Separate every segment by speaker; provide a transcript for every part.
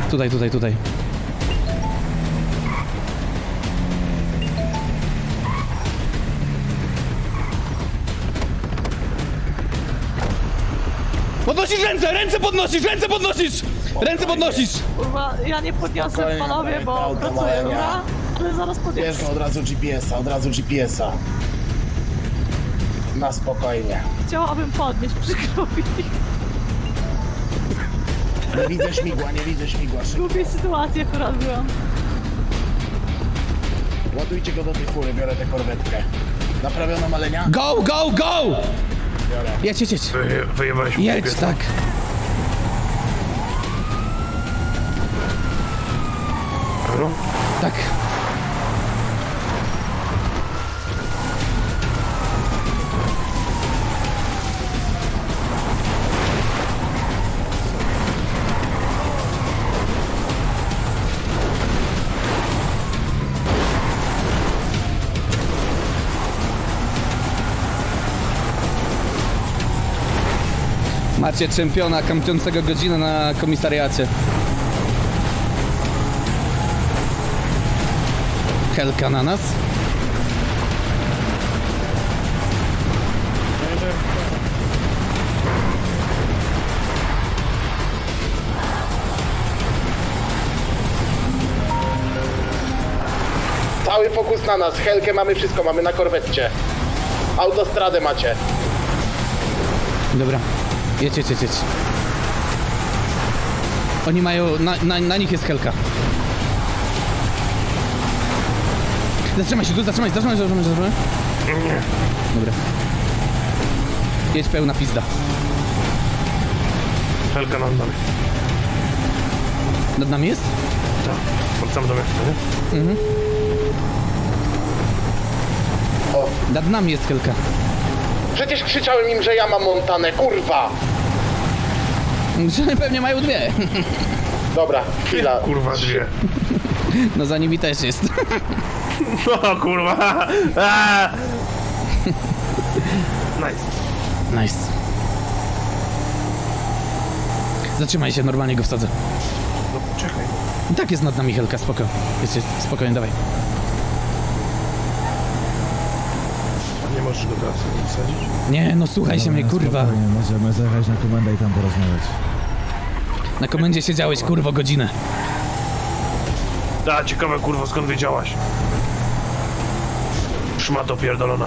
Speaker 1: Tutaj, tutaj, tutaj. Podnosisz ręce! Ręce podnosisz! Ręce podnosisz! Ręce podnosisz!
Speaker 2: Kurwa, ja nie podniosę
Speaker 3: Spokojnie,
Speaker 2: panowie, bo
Speaker 3: auto
Speaker 2: pracuję,
Speaker 3: małe,
Speaker 2: dobra? Ale zaraz podniosę.
Speaker 3: Bierz od razu GPS-a, od razu GPS-a. Na spokojnie.
Speaker 2: Chciałabym podnieść, przykro mi.
Speaker 3: Nie widzę śmigła, nie widzę śmigła.
Speaker 2: W głupiej sytuacji akurat byłam.
Speaker 3: Ładujcie go do tej fury, biorę tę korwetkę. Naprawiono malenia?
Speaker 1: Go, go, go!
Speaker 3: Biorę.
Speaker 1: Jedź, jedź, jedź.
Speaker 4: Wyjebałeś mi
Speaker 1: Jedź,
Speaker 4: GPS-a.
Speaker 1: tak.
Speaker 4: Halo?
Speaker 1: Tak. Macie czempiona kampiącego godzinę na komisariacie. Helka na nas.
Speaker 3: Cały fokus na nas, Helkę mamy, wszystko mamy na korwetcie. Autostradę macie.
Speaker 1: Dobra, jedź, jedź, jedź, jedź. Oni mają, na nich jest Helka. Zatrzymaj się tu, zatrzymaj.
Speaker 4: Nie.
Speaker 1: Dobra. Jedź pełna pizda.
Speaker 4: Helka nad nami.
Speaker 1: Nad nami jest?
Speaker 4: Tak. Wracamy do miasta, nie?
Speaker 3: O,
Speaker 1: Nad nami jest Helka.
Speaker 3: przecież krzyczałem im, że ja mam Montanę, kurwa!
Speaker 1: Pewnie mają dwie.
Speaker 3: Dobra, chwila.
Speaker 4: Kurwa, dwie.
Speaker 1: No za nimi też jest.
Speaker 4: No kurwa. Aaa! Nice.
Speaker 1: Nice. Zatrzymaj się, normalnie go wsadzę.
Speaker 4: No czekaj.
Speaker 1: I tak jest nad nami Helka, spoko. Jest, spokojnie, dawaj.
Speaker 4: A nie możesz go teraz wsadzić?
Speaker 1: Nie, no słuchaj się mnie, kurwa.
Speaker 5: Spokojnie, możemy zajechać na komendę i tam porozmawiać.
Speaker 1: Na komendzie siedziałeś, kurwo, godzinę.
Speaker 4: Da, ciekawe kurwa, skąd wiedziałaś? Szmato pierdolona.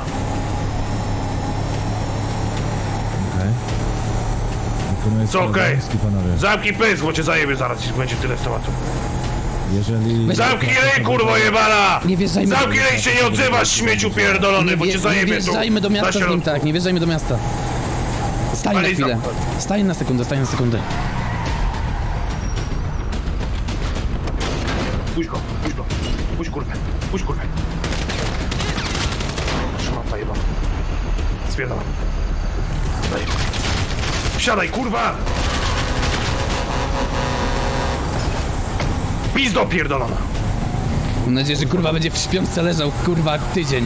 Speaker 5: Okej. Wykonuję
Speaker 4: Co okej?
Speaker 5: obowiązki, panowie.
Speaker 4: Zamknij pysk, bo cię zajebie zaraz i będzie tyle z tematu.
Speaker 5: Jeżeli...
Speaker 4: Zamknij ryj, kurwo jebana!
Speaker 1: Nie wjeżdżajmy.
Speaker 4: Zamknij ryj, się nie odzywasz, śmieciu pierdolony, bo cię
Speaker 1: Nie
Speaker 4: zajebie tu.
Speaker 1: wjeżdżajmy do miasta
Speaker 4: Na
Speaker 1: z nim,
Speaker 4: środku.
Speaker 1: tak, nie wjeżdżajmy do miasta. Stań na
Speaker 4: Ale
Speaker 1: chwilę.
Speaker 4: zamknąć.
Speaker 1: Stań na sekundę, stań na sekundę.
Speaker 4: Puść go, puść go. Puść kurwę, puść kurwę. Szmata jebana. Spierdalam. Daj. Wsiadaj, kurwa! Pizdo pierdolona.
Speaker 1: Mam nadzieję, że kurwa będzie w śpiączce leżał, kurwa, tydzień.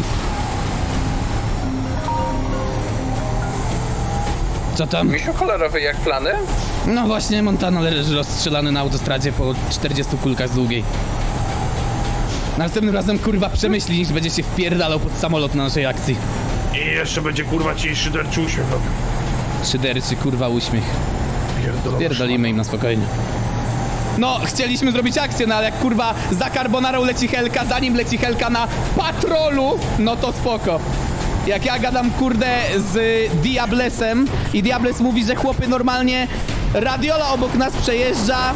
Speaker 1: Co tam?
Speaker 6: Misiu kolorowy jak plany?
Speaker 1: No właśnie, Montana leży rozstrzelany na autostradzie po 40 kulkach z długiej. Następnym razem, kurwa, przemyśli, niż będzie się wpierdalał pod samolot na naszej akcji.
Speaker 4: I jeszcze będzie kurwa ci szyderczy uśmiech robił.
Speaker 1: Szyderczy, kurwa, uśmiech.
Speaker 4: Pierdolona.
Speaker 1: Pierdolimy im na spokojnie. No, chcieliśmy zrobić akcję, no ale jak kurwa za Carbonarą leci Helka, zanim leci Helka na patrolu, no to spoko. Jak ja gadam, kurde, z Diablesem i Diables mówi, że chłopy normalnie radiola obok nas przejeżdża,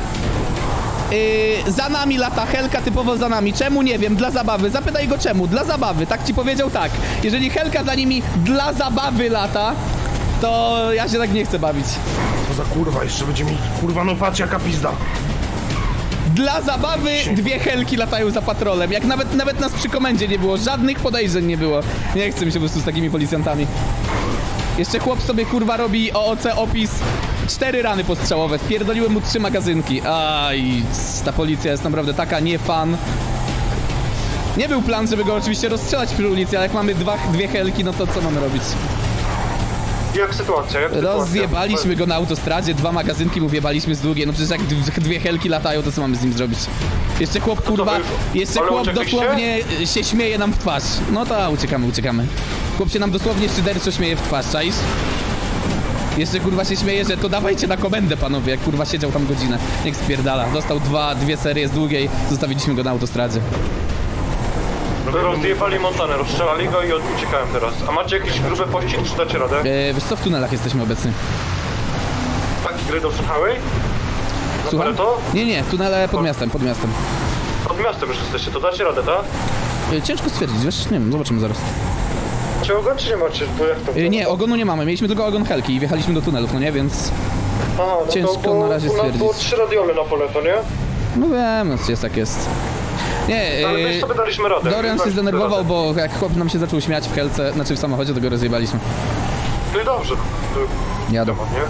Speaker 1: za nami lata Helka, typowo za nami. Czemu? Nie wiem, dla zabawy. Zapytaj go czemu, dla zabawy. Tak ci powiedział, tak. Jeżeli Helka za nimi dla zabawy lata, to ja się tak nie chcę bawić.
Speaker 4: To za kurwa, jeszcze będzie mi kurwa, no patrz jaka pizda.
Speaker 1: Dla zabawy dwie Helki latają za patrolem. Jak nawet nas przy komendzie nie było, żadnych podejrzeń nie było. Nie chcę mi się po prostu z takimi policjantami. Jeszcze chłop sobie kurwa robi OOC opis 4 rany postrzałowe. Wpierdoliłem mu 3 magazynki. Aj, ta policja jest naprawdę taka nie fan. Nie był plan, żeby go oczywiście rozstrzelać przy ulicy, ale jak mamy dwie Helki, no to co mamy robić?
Speaker 4: Jak sytuacja?
Speaker 1: Rozjebaliśmy go na autostradzie, 2 magazynki mu wjebaliśmy z długiej, no przecież jak 2 helki latają, to co mamy z nim zrobić? Jeszcze chłop, kurwa, jeszcze
Speaker 4: Ale
Speaker 1: chłop
Speaker 4: uciekliście?
Speaker 1: dosłownie się śmieje nam w twarz. No to uciekamy. Chłop się nam dosłownie szyderczo śmieje w twarz, czaisz? Jeszcze kurwa się śmieje, że to dawajcie na komendę, panowie, jak kurwa siedział tam godzinę. Niech spierdala. Dostał 2 serie z długiej, zostawiliśmy go na autostradzie.
Speaker 4: Rozjebali Montanę, rozstrzelali go i uciekałem teraz. A macie jakiś gruby pościg, czy dacie radę?
Speaker 1: Wiesz co, w tunelach jesteśmy obecni.
Speaker 4: Taki gry do Highway? Na
Speaker 1: Słucham?
Speaker 4: to?
Speaker 1: Nie, tunele pod miastem.
Speaker 4: Pod miastem już jesteście, to dacie radę, tak?
Speaker 1: Ciężko stwierdzić, wiesz, nie wiem, zobaczymy zaraz.
Speaker 3: Czy ogon, czy nie macie? Bo jak to...
Speaker 1: Nie, ogonu nie mamy, mieliśmy tylko ogon helki i wjechaliśmy do tunelów, no nie, więc...
Speaker 3: Aha, no
Speaker 1: ciężko
Speaker 3: to było,
Speaker 1: na razie stwierdzić.
Speaker 3: Było 3 radiole na pole, to nie?
Speaker 1: No wiem, no jest jak jest. Nie,
Speaker 4: Ale my sobie daliśmy radę.
Speaker 1: Dorian się zdenerwował, bo jak chłop nam się zaczął śmiać w helce, znaczy w samochodzie, to go rozjebaliśmy.
Speaker 4: No i dobrze. To...
Speaker 1: Jadą.
Speaker 4: Nie?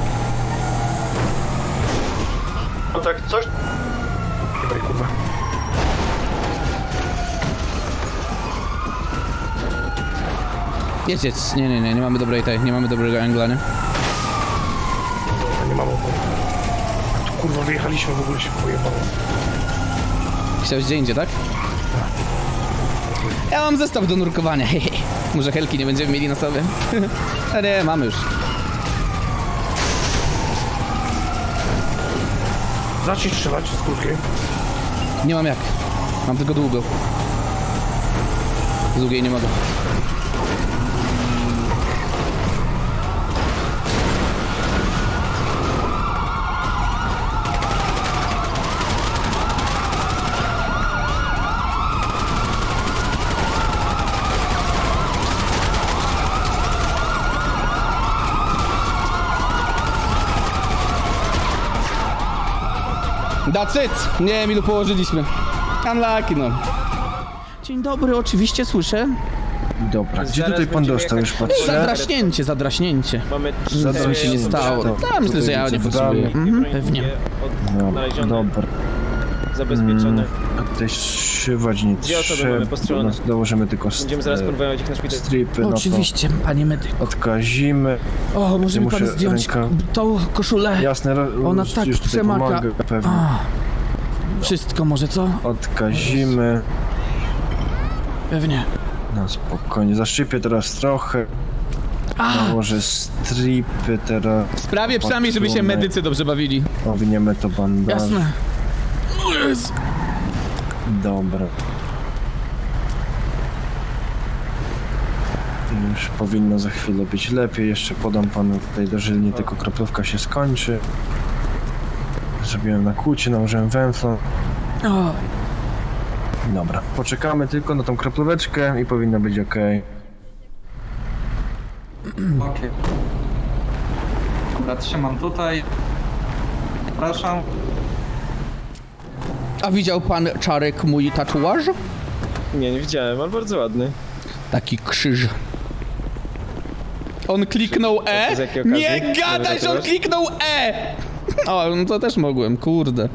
Speaker 4: No tak, coś... Chyba kurwa.
Speaker 1: Jedź. Nie mamy dobrej nie mamy dobrego angla, nie?
Speaker 4: Dobra, nie mam opony. A tu kurwa wyjechaliśmy, w ogóle się pojebało.
Speaker 1: Chciałeś gdzie indziej, tak? Ja mam zestaw do nurkowania, hehe. Może helki nie będziemy mieli na sobie? A nie, mamy już.
Speaker 4: Zacznij strzelać z krótkiej.
Speaker 1: Nie mam jak. Mam tylko długo. Z długiej nie mogę. That's it! Nie wiem ilu położyliśmy. Unlucky no. Dzień dobry, oczywiście słyszę.
Speaker 6: Dobra, gdzie tutaj pan dostał? Już patrzę.
Speaker 1: Zadraśnięcie.
Speaker 7: Mamy
Speaker 1: Nic mi się nie stało. Tak, myślę, że ja nie potrzebuję. Pewnie.
Speaker 6: Dobra.
Speaker 7: zabezpieczone.
Speaker 6: A tutaj szywać nie
Speaker 7: Dwie osoby mamy
Speaker 6: trzeba.
Speaker 7: postrzelone.
Speaker 6: Dołożymy tylko
Speaker 7: Będziemy zaraz próbować ich na szpital.
Speaker 6: stripy, no
Speaker 1: Oczywiście, panie medyku.
Speaker 6: to odkazimy.
Speaker 1: O, może mi
Speaker 6: Muszę
Speaker 1: pan zdjąć
Speaker 6: ręka-
Speaker 1: tą koszulę?
Speaker 6: Jasne,
Speaker 1: Ona
Speaker 6: już,
Speaker 1: tak
Speaker 6: już tutaj
Speaker 1: przemaka.
Speaker 6: pomogę, pewnie.
Speaker 1: Wszystko może, co?
Speaker 6: Odkazimy.
Speaker 1: Pewnie.
Speaker 6: No spokojnie, zaszypię teraz trochę. Nałożę stripy teraz.
Speaker 1: W sprawie przynajmniej, żeby się
Speaker 6: Patrzymy.
Speaker 1: medycy dobrze bawili.
Speaker 6: Owiniemy to bandaż.
Speaker 1: Jasne. O Jezu.
Speaker 6: Dobra. Już powinno za chwilę być lepiej. Jeszcze podam panu tutaj dożylnie, tylko kroplówka się skończy. Zrobiłem nakłucie, nałożyłem węflon.
Speaker 1: O,
Speaker 6: Dobra, poczekamy tylko na tą kroplóweczkę i powinno być ok.
Speaker 8: Okej. Dobra, trzymam tutaj. Zapraszam.
Speaker 1: a widział pan, Czarek, mój tatuaż?
Speaker 7: Nie widziałem, ale bardzo ładny.
Speaker 1: Taki krzyż. On kliknął E?
Speaker 7: z jakiej okazji?
Speaker 1: Nie gadaj, że on
Speaker 7: Tatuaż?
Speaker 1: kliknął E! O, no to też mogłem, kurde.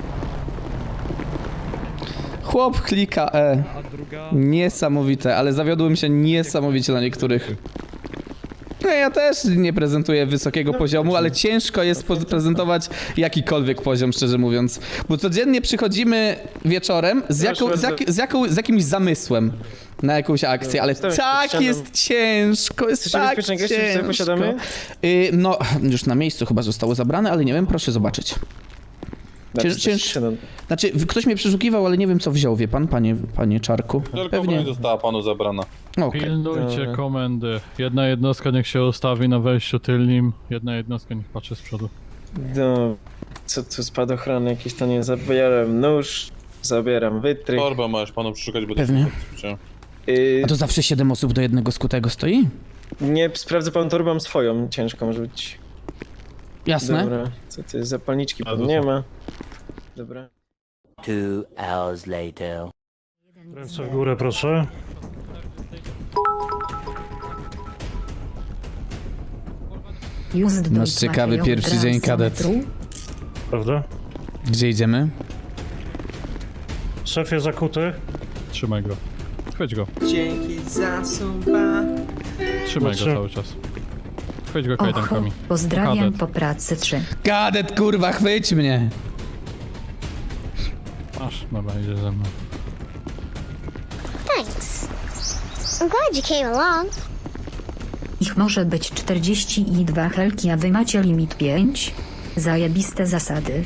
Speaker 1: Chłop klika E. Niesamowite, ale zawiodłem się niesamowicie na niektórych. No ja też nie prezentuję wysokiego poziomu, ale ciężko jest prezentować jakikolwiek poziom, szczerze mówiąc. Bo codziennie przychodzimy wieczorem z jakimś zamysłem na jakąś akcję, ale
Speaker 7: Stałem
Speaker 1: tak
Speaker 7: pod ścianą.
Speaker 1: jest ciężko, jest
Speaker 7: Jesteście
Speaker 1: tak
Speaker 7: bezpieczne goście, czy sobie
Speaker 1: ciężko.
Speaker 7: posiadamy?
Speaker 1: No, już na miejscu chyba zostało zabrane, ale nie wiem, proszę zobaczyć. Znaczy, ktoś mnie przeszukiwał, ale nie wiem co wziął, wie pan, panie Czarku?
Speaker 9: Pewnie została panu zabrana.
Speaker 1: Okej.
Speaker 10: Pilnujcie komendy. Jedna jednostka niech się ustawi na wejściu tylnym, jedna jednostka niech patrzy z przodu.
Speaker 7: No, co tu spadochrony jakieś to nie zabieram nóż, zabieram wytrych.
Speaker 9: Torbę możesz panu przeszukać, bo
Speaker 1: Pewnie.
Speaker 9: to
Speaker 1: A to zawsze 7 osób do jednego skutego stoi?
Speaker 7: Nie, sprawdzę pan torbę, mam swoją, ciężko może być.
Speaker 1: Jasne.
Speaker 7: Dobra, co ty, zapalniczki pan nie ma. Dobra.
Speaker 11: 2 hours later.
Speaker 4: Ręce w górę, proszę.
Speaker 1: Nasz ciekawy pierwszy dzień kadet.
Speaker 4: Prawda?
Speaker 1: Gdzie idziemy?
Speaker 4: Szefie zakuty.
Speaker 10: Trzymaj go. Chwyć go.
Speaker 7: Dzięki za suba.
Speaker 10: Trzymaj go cały czas. Chwyć go kajdankami.
Speaker 12: Pozdrawiam
Speaker 10: Kadet.
Speaker 12: po pracy 3.
Speaker 1: Kadet, kurwa, chwyć mnie.
Speaker 10: Masz, dobra, idzie ze mną.
Speaker 12: Thanks. I'm glad you came along. Ich może być 42 helki, a wy macie limit 5? Zajebiste zasady.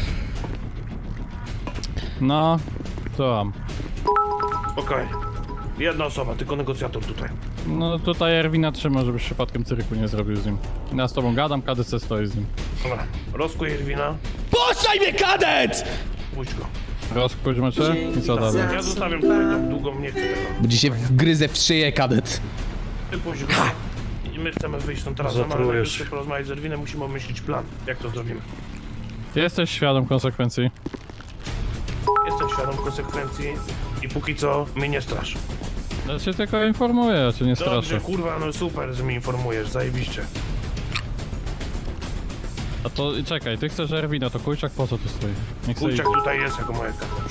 Speaker 10: No, co mam?
Speaker 4: Okej. Jedna osoba, tylko negocjator tutaj.
Speaker 10: No tutaj Erwina trzyma, żebyś przypadkiem cyryku nie zrobił z nim. Ja z tobą gadam, KDC stoi z nim.
Speaker 4: Dobra, rozkuj Irwina,
Speaker 1: Puszczaj mnie, kadet!
Speaker 4: puść go.
Speaker 10: Rozkuć mecze i co dalej?
Speaker 4: Ja zostawiam tutaj tak długo, nie chcę tego.
Speaker 1: Będzie się wgryzę w szyję, kadet.
Speaker 4: Ty puść go. I my chcemy wyjść stąd teraz, ale najpierw chcę porozmawiać z Erwinem, musimy omyślić plan, jak to zrobimy.
Speaker 10: Ty jesteś świadom konsekwencji.
Speaker 4: Jestem świadom konsekwencji i póki co mnie nie strasz.
Speaker 10: Ja cię tylko informuję, ja cię nie straszę.
Speaker 4: Dobrze, kurwa, no super, że mnie informujesz, zajebiście.
Speaker 10: A to czekaj, ty chcesz Erwina, to Kujczak po co tu stoi? Niech sobie
Speaker 4: Kurczak tutaj jest jako moja karta.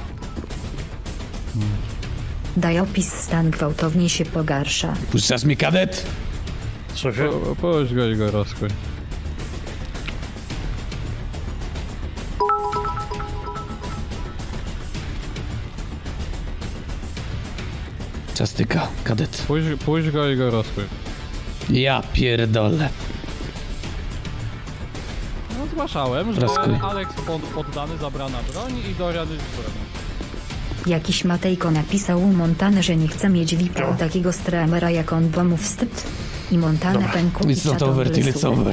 Speaker 12: Daj opis, stan gwałtownie się pogarsza.
Speaker 1: Puszczasz mnie, kadet?
Speaker 10: Pójdź go i go rozkuj.
Speaker 1: Czastyka, kadet.
Speaker 10: Pójdź go i go rozkuj.
Speaker 1: Ja pierdolę.
Speaker 10: No zgłaszałem, że
Speaker 1: Rozkuj.
Speaker 10: Alex poddany zabrana broń i Dorian jest bronią.
Speaker 12: Jakiś Matejko napisał u Montany, że nie chce mieć VIP-a u takiego streamera jak on, bo mu wstyd. I Montana pękł i
Speaker 1: It's not over till it's over.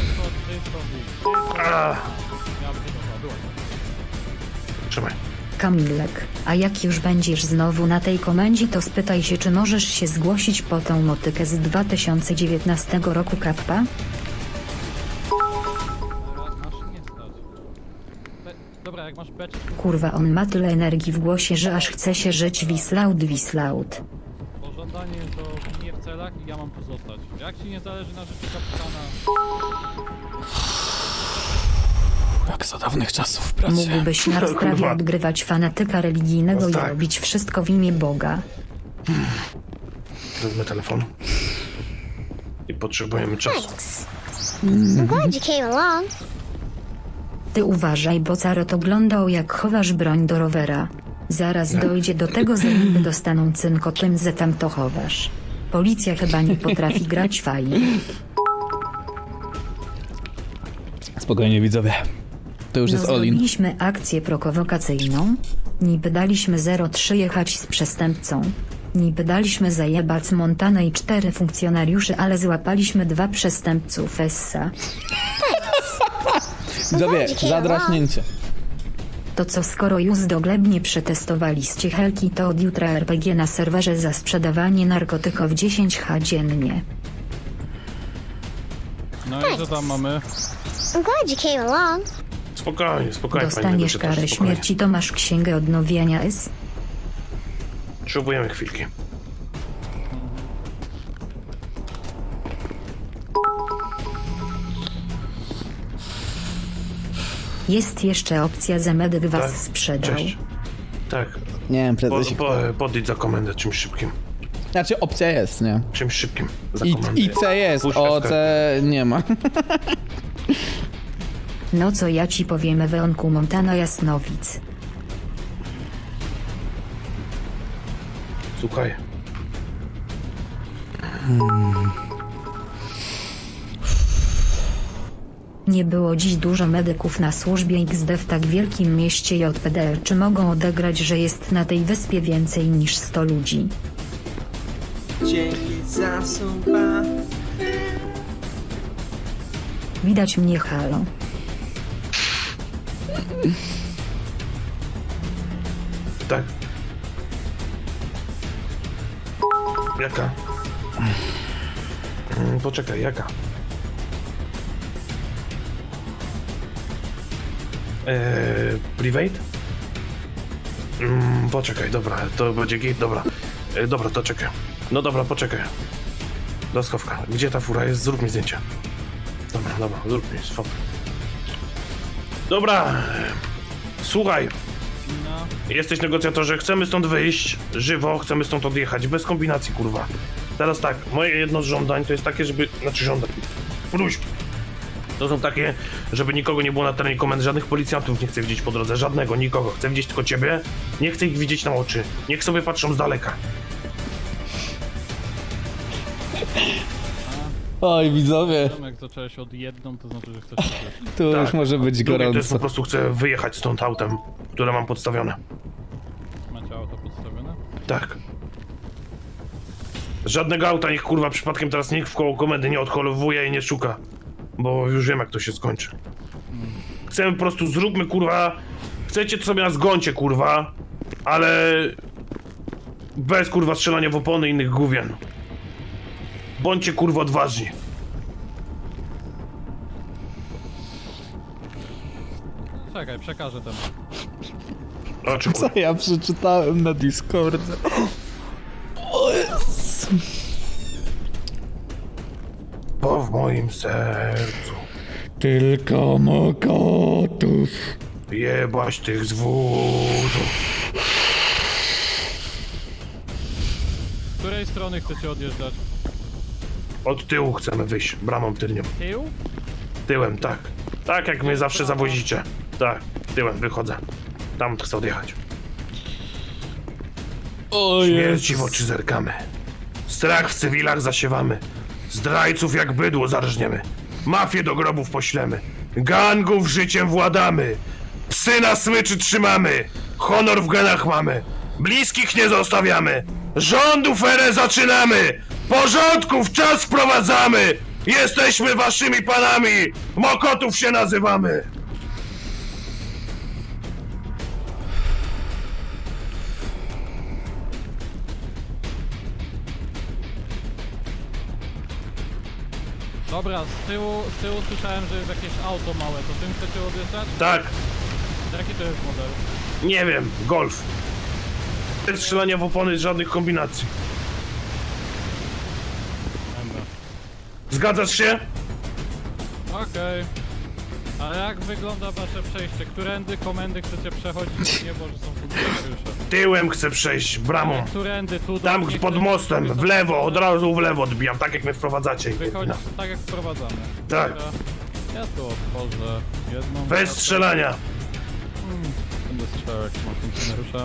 Speaker 4: Trzymaj.
Speaker 12: Kamilek, a jak już będziesz znowu na tej komendzie, to spytaj się, czy możesz się zgłosić po tą motykę z 2019 roku kappa?
Speaker 10: Masz nie stać. Dobra, jak masz beczkę,
Speaker 12: Kurwa, on ma tyle energii w głosie, że aż chce się żyć wislaut.
Speaker 10: pożądanie to nie w celach i ja mam tu zostać. Jak ci nie zależy na życiu kapitana...
Speaker 1: Jak za dawnych czasów w pracy.
Speaker 12: Mógłbyś na rozprawie
Speaker 4: Kurwa.
Speaker 12: odgrywać fanatyka religijnego
Speaker 4: No
Speaker 12: i
Speaker 4: tak.
Speaker 12: robić wszystko w imię Boga.
Speaker 4: Wezmę telefon. I potrzebujemy czasu.
Speaker 12: Ty uważaj, bo Carot oglądał, jak chowasz broń do rowera. Zaraz dojdzie do tego, że niby dostaną cynko tym, że tam to chowasz. Policja chyba nie potrafi grać fajnie.
Speaker 1: Spokojnie, widzowie. To już jest all in.
Speaker 12: Zrobiliśmy akcję prowokacyjną. Niby daliśmy 03 jechać z przestępcą. Niby daliśmy zajebać Montanę i 4 funkcjonariuszy, ale złapaliśmy 2 przestępców Essa.
Speaker 1: Widzowie, zadraśnięcie.
Speaker 12: To co, skoro już doglebnie przetestowaliście helki, to od jutra RPG na serwerze za sprzedawanie narkotyków 10H dziennie.
Speaker 10: No i co tam mamy?
Speaker 4: Spokojnie, spokojnie.
Speaker 12: Dostaniesz karę śmierci, to masz księgę odnowienia S.
Speaker 4: Potrzebujemy chwilki.
Speaker 12: Jest jeszcze opcja, że medyk was
Speaker 4: Tak,
Speaker 12: sprzedał.
Speaker 4: cześć. Tak,
Speaker 1: Nie wiem, prezesie.
Speaker 4: podejdź za komendę czymś szybkim.
Speaker 1: Znaczy, opcja jest, nie?
Speaker 4: Czymś szybkim. Za
Speaker 1: I,
Speaker 4: komendę.
Speaker 1: IC jest,
Speaker 4: Puszczę
Speaker 1: OC nie ma.
Speaker 12: No co ja ci powiem, Eweonku Montana Jasnowic.
Speaker 4: Słuchaj.
Speaker 12: Nie było dziś dużo medyków na służbie XD w tak wielkim mieście JPD. Czy mogą odegrać, że jest na tej wyspie więcej niż 100 ludzi? Widać mnie, halo.
Speaker 4: Tak. Jaka? Poczekaj, jaka? Private? Poczekaj, dobra, to będzie gate, dobra. Dobra, to czekaj. No dobra, poczekaj. Do schowka. Gdzie ta fura jest? Zrób mi zdjęcie. Dobra, zrób mi, swap. Dobra. Słuchaj. Jesteś negocjatorze, chcemy stąd wyjść żywo, chcemy stąd odjechać, bez kombinacji, kurwa. Teraz tak, moje jedno z żądań to jest takie, żeby... Znaczy żądań... Próśb. To są takie, żeby nikogo nie było na terenie komendy, żadnych policjantów nie chcę widzieć po drodze, żadnego, nikogo. Chcę widzieć tylko ciebie, nie chcę ich widzieć na oczy. Niech sobie patrzą z daleka.
Speaker 1: Oj, widzowie,
Speaker 10: Jak zacząłeś od jedną, to znaczy, że chcesz coś.
Speaker 1: tu już może być
Speaker 4: Drugie to jest
Speaker 1: gorąco.
Speaker 4: po prostu chcę wyjechać stąd autem, które mam podstawione.
Speaker 10: Macie auto podstawione?
Speaker 4: Tak. Żadnego auta niech kurwa przypadkiem teraz nikt w koło komendy nie odholowuje i nie szuka. Bo już wiem jak to się skończy. Chcemy po prostu, zróbmy kurwa... Chcecie to sobie na zgoncie kurwa, ale... Bez kurwa strzelania w opony i innych gówien. Bądźcie kurwa odważni.
Speaker 10: Czekaj, przekażę ten.
Speaker 4: Oczekuję.
Speaker 1: Co ja przeczytałem na Discordzie? O Jezu.
Speaker 4: Bo w moim sercu
Speaker 1: Tylko mokotów.
Speaker 4: jebać tych zwórzów.
Speaker 10: Z której strony chcecie odjeżdżać?
Speaker 4: Od tyłu chcemy wyjść, bramą tylnią.
Speaker 10: Tył?
Speaker 4: Tyłem, tak. Tak jak mnie zawsze zawozicie. Tak, tyłem wychodzę. Tam chcę odjechać.
Speaker 1: O
Speaker 4: Śmierci w oczy zerkamy. Strach w cywilach zasiewamy. Zdrajców jak bydło zarżniemy. Mafię do grobów poślemy. Gangów życiem władamy. Psy na smyczy trzymamy. Honor w genach mamy. Bliskich nie zostawiamy. Rządów erę zaczynamy. Porządków czas wprowadzamy. Jesteśmy waszymi panami. Mokotów się nazywamy.
Speaker 10: Dobra, z tyłu słyszałem, że jest jakieś auto małe, to tym chcecie odjeżdżać?
Speaker 4: Tak,
Speaker 10: Jaki to jest model?
Speaker 4: nie wiem, golf. Bez strzelania w opony, żadnych kombinacji.
Speaker 10: Dobra.
Speaker 4: Zgadzasz się?
Speaker 10: Okej. A jak wygląda wasze przejście? Którędy komendy chcecie przechodzić? Nie, bo że są funkcjonariusze.
Speaker 4: Tyłem chcę przejść, bramą.
Speaker 10: Którędy tu?
Speaker 4: Tam
Speaker 10: nie
Speaker 4: pod
Speaker 10: chcecie
Speaker 4: mostem,
Speaker 10: sobie
Speaker 4: w lewo, od razu w lewo odbijam, tak jak mnie wprowadzacie.
Speaker 10: Wychodzić
Speaker 4: No.
Speaker 10: tak jak wprowadzamy.
Speaker 4: Tak.
Speaker 10: Dobra. Ja tu otworzę jedną...
Speaker 4: Bez strzelania.
Speaker 10: Będę strzelał jak ma funkcjonariusza.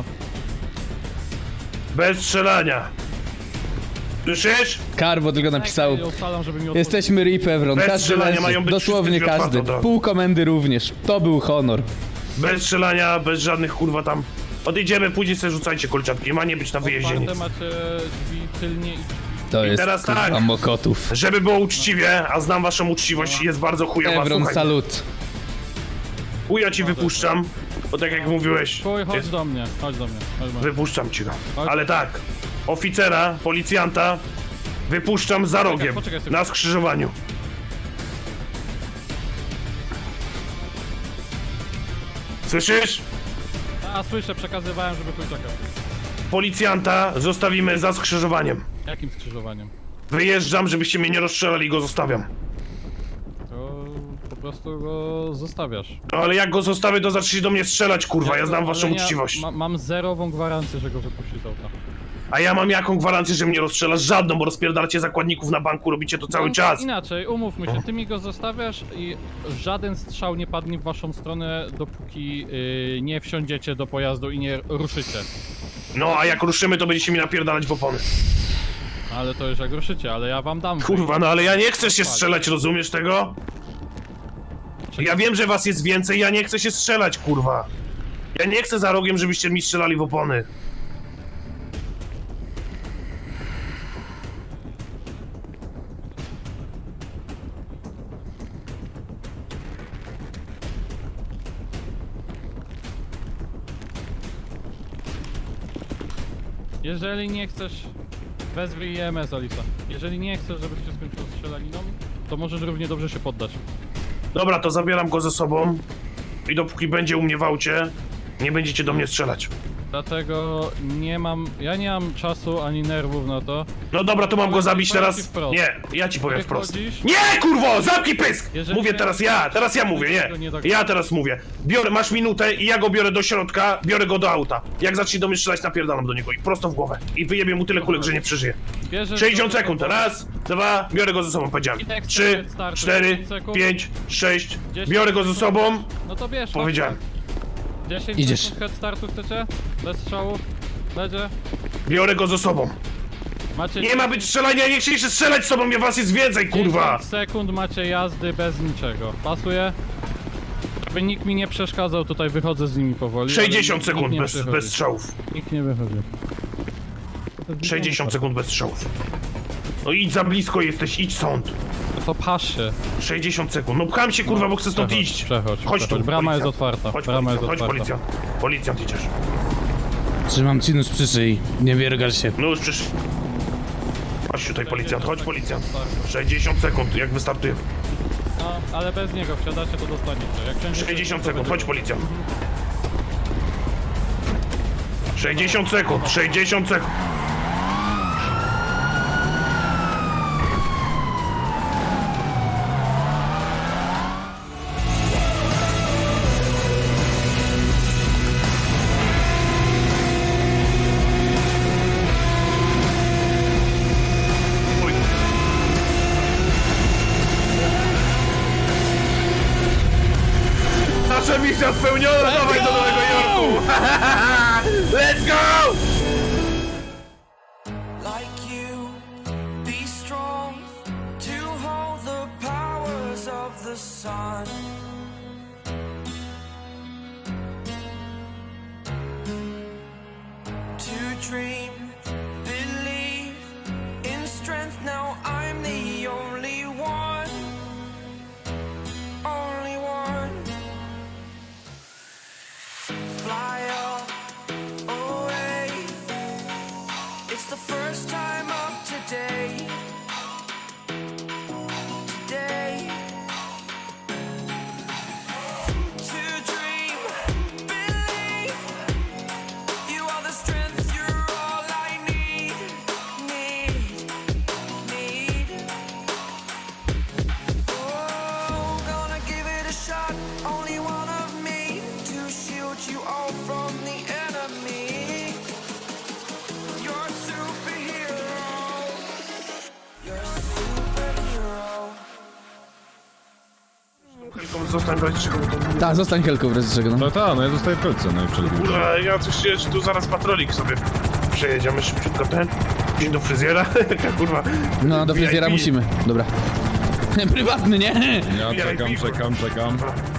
Speaker 4: Bez strzelania. Słyszysz?
Speaker 1: Karbo tylko napisał.
Speaker 10: Ja ustalam, żeby mi otworzyć.
Speaker 1: Jesteśmy Rip Evron,
Speaker 4: Bez
Speaker 1: każdy
Speaker 4: strzelania
Speaker 1: leży,
Speaker 4: mają być
Speaker 1: dosłownie
Speaker 4: wszystkie drzwi
Speaker 1: każdy.
Speaker 4: otwarte od razu.
Speaker 1: Pół komendy również. To był honor.
Speaker 4: Bez strzelania, bez żadnych kurwa tam. Odejdziemy, później sobie rzucajcie kolczatki, ma nie być na wyjeździe nic.
Speaker 10: Otwarte macie drzwi tylnie i...
Speaker 1: To jest
Speaker 4: teraz
Speaker 1: kurwa
Speaker 4: tak.
Speaker 1: mokotów.
Speaker 4: Żeby było uczciwie, a znam waszą uczciwość, jest bardzo chujowa,
Speaker 1: Evron,
Speaker 4: słuchaj.
Speaker 1: salut.
Speaker 4: Chuja ci wypuszczam, bo tak jak mówiłeś,
Speaker 10: Chuj, chodź
Speaker 4: jest,
Speaker 10: do mnie, chodź do mnie.
Speaker 4: wypuszczam ci go.
Speaker 10: Chodź.
Speaker 4: Ale tak, oficera, policjanta, wypuszczam za rogiem,
Speaker 10: poczekaj sobie.
Speaker 4: na skrzyżowaniu. Słyszysz?
Speaker 10: A słyszę, przekazywałem, żeby chuj czekał.
Speaker 4: Policjanta zostawimy za skrzyżowaniem.
Speaker 10: Jakim skrzyżowaniem?
Speaker 4: Wyjeżdżam, żebyście mnie nie rozstrzelali i go zostawiam.
Speaker 10: To po prostu go zostawiasz.
Speaker 4: No ale jak go zostawię, to zacznie do mnie strzelać, kurwa, ja znam
Speaker 10: Ale
Speaker 4: waszą uczciwość.
Speaker 10: Mam zerową gwarancję, że go wypuści z auta.
Speaker 4: A ja mam jaką gwarancję, że mnie rozstrzelasz? Żadną, bo rozpierdalacie zakładników na banku, robicie to cały
Speaker 10: No,
Speaker 4: czas.
Speaker 10: Inaczej, umówmy się, ty mi go zostawiasz i żaden strzał nie padnie w waszą stronę, dopóki nie wsiądziecie do pojazdu i nie ruszycie.
Speaker 4: No, a jak ruszymy, to będziecie mi napierdalać w opony.
Speaker 10: Ale to już jak ruszycie, ale ja wam dam.
Speaker 4: Kurwa, no ale ja nie chcę się strzelać, rozumiesz tego? Ja wiem, że was jest więcej, ja nie chcę się strzelać, kurwa. Ja nie chcę za rogiem, żebyście mi strzelali w opony.
Speaker 10: Jeżeli nie chcesz, wezwij EMS, Alisa. Jeżeli nie chcesz, żeby się skończyło strzelaniną, to możesz równie dobrze się poddać.
Speaker 4: Dobra, to zabieram go ze sobą i dopóki będzie u mnie w aucie, nie będziecie do mnie strzelać.
Speaker 10: Dlatego ja nie mam czasu ani nerwów na to.
Speaker 4: No dobra, to mam go zabić
Speaker 10: Powiem
Speaker 4: teraz?
Speaker 10: ci wprost.
Speaker 4: Nie, ja ci powiem wprost.
Speaker 10: Wychodzisz?
Speaker 4: Nie, kurwo, zamknij pysk!
Speaker 10: Jeżeli
Speaker 4: Mówię
Speaker 10: nie-
Speaker 4: teraz ja mówię, nie. Ja teraz mówię. Masz minutę i ja go biorę do środka, biorę go do auta. Jak zacznie do mnie strzelać, napierdalam do niego i prosto w głowę. I wyjebię mu tyle kulek, że nie przeżyje.
Speaker 10: Bierzesz
Speaker 4: 60
Speaker 10: go-
Speaker 4: sekund, raz, dwa, biorę go ze sobą, powiedziałem.
Speaker 10: I jak
Speaker 4: 3,
Speaker 10: starczy,
Speaker 4: 4,
Speaker 10: 10 sekund.
Speaker 4: 5, 6,
Speaker 10: 10
Speaker 4: biorę go ze sobą,
Speaker 10: No to bierz.
Speaker 4: powiedziałem.
Speaker 10: 10
Speaker 1: Idziesz.
Speaker 10: sekund head startu chcecie? Bez strzału? Będzie?
Speaker 4: Biorę go ze sobą.
Speaker 10: Macie
Speaker 4: Nie ma być strzelania, nie chcieliście strzelać z sobą, was jest więcej, kurwa!
Speaker 10: 10 sekund macie jazdy bez niczego. Pasuje? Żeby nikt mi nie przeszkadzał, tutaj wychodzę z nimi powoli.
Speaker 4: 60
Speaker 10: ale nikt
Speaker 4: sekund
Speaker 10: nie
Speaker 4: bez
Speaker 10: przychodzi.
Speaker 4: strzałów.
Speaker 10: Nikt nie wychodzi.
Speaker 4: 60 sekund bez strzałów. No idź za blisko jesteś, idź sąd.
Speaker 10: To pasz się.
Speaker 4: 60 sekund. No pcham się, kurwa, bo chcę stąd
Speaker 10: Przechodź,
Speaker 4: iść.
Speaker 10: przechodź,
Speaker 4: Chodź tu,
Speaker 10: przechodź. Brama jest
Speaker 4: policjant.
Speaker 10: otwarta.
Speaker 4: Chodź,
Speaker 10: Brama jest
Speaker 4: policjant, chodź,
Speaker 10: otwarta.
Speaker 4: policjant. Policjant idziesz.
Speaker 1: Trzymam ci nóż przy szyi. Nie wiergal się.
Speaker 4: No już przyszedł. Chodź tutaj, policjant, chodź, policjant. 60 sekund, jak wystartuje.
Speaker 10: No, ale bez niego wsiadacie, to dostaniecie. Jak wsiądziecie,
Speaker 4: 60
Speaker 10: to
Speaker 4: sekund,
Speaker 10: będzie.
Speaker 4: chodź, policjant. 60 sekund, 60 sekund. Uj. Nasza misja spełniona, dawaj do Nowego Jorku! Let's go!
Speaker 13: Like you, be strong to hold the powers of the sun. To dream, believe in strength. Now I'm the only one, only one. Fly up away. It's the first time of today. Today. To dream, believe. You are the strength, you're all I need. Need. Oh, gonna give it a shot. Only one of me to shield you all from the enemy. You're a superhero. You're a superhero.
Speaker 4: Zostań brać czego to.
Speaker 1: Tak, zostań Helką w razie czego, no.
Speaker 5: No ja zostaję w kolce, no i przed
Speaker 4: Kurwa, ja coś czuję, że tu zaraz patrolik sobie przejedziemy szybciutko ten. Dzień do fryzjera, jaka kurwa.
Speaker 1: No, do fryzjera
Speaker 4: VIP.
Speaker 1: musimy. Dobra. Prywatny, nie?
Speaker 5: Ja
Speaker 4: czekam.
Speaker 5: czekam.